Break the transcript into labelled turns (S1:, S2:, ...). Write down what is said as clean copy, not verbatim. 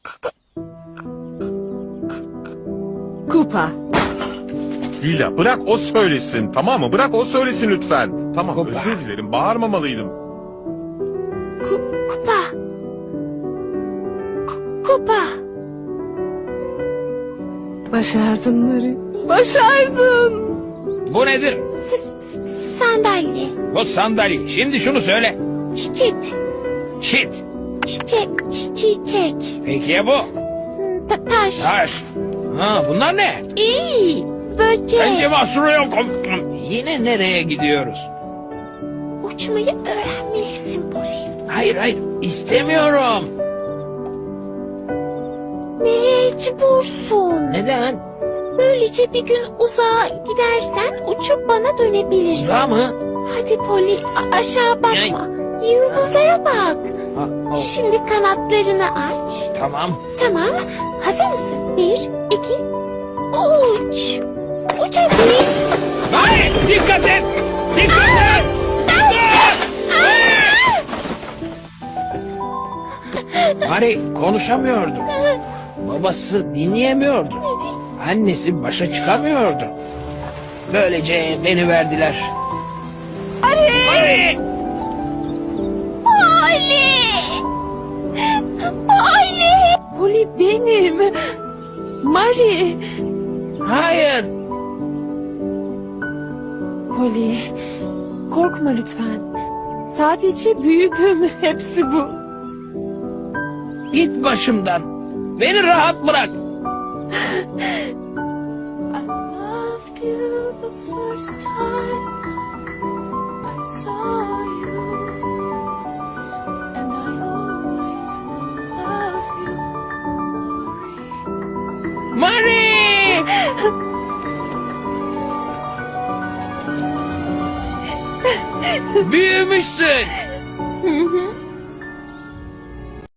S1: Kupa.
S2: Lila bırak o söylesin, tamam mı? Bırak o söylesin lütfen. Tamam,
S3: Kupa.
S2: özür dilerim, bağırmamalıydım.
S1: Kupa. Kupa. Başardın Mari. Başardın.
S3: Bu nedir?
S1: Sandalye.
S3: Bu sandalye. Şimdi şunu söyle.
S1: Çiçek.
S3: Çit.
S1: Çiçek.
S3: Peki ya bu?
S1: Taş.
S3: Taş. Ha, bunlar ne?
S1: İyi. Böcek.
S3: Bence mahsuru yok. Yine nereye gidiyoruz?
S1: Uçmayı öğrenmelisin Poli.
S3: Hayır hayır istemiyorum.
S1: Mecbursun.
S3: Neden?
S1: Böylece bir gün uzağa gidersen uçup bana dönebilirsin.
S3: Uzağa mı?
S1: Hadi Poli aşağı bakma. Yıldızlara bak.
S3: Ha, o,
S1: Şimdi kanatlarını aç.
S3: tamam.
S1: Tamam. Hazır mısın? 1, 2, uç. Uç hadi.
S3: Hayır dikkat et. Dikkat et. Mari konuşamıyordu. Babası dinleyemiyordu. Annesi başa çıkamıyordu. Böylece beni verdiler. Mari!
S1: Poli. Poli.
S4: Poli benim. Mari.
S3: Hayır.
S4: Poli, korkma lütfen. Sadece büyüdüm. Hepsi bu.
S3: Git başımdan. Beni rahat bırak.
S4: I loved you the first time I saw you, and I always will love you,
S3: Mari! Büyümüşsün.
S4: Marie.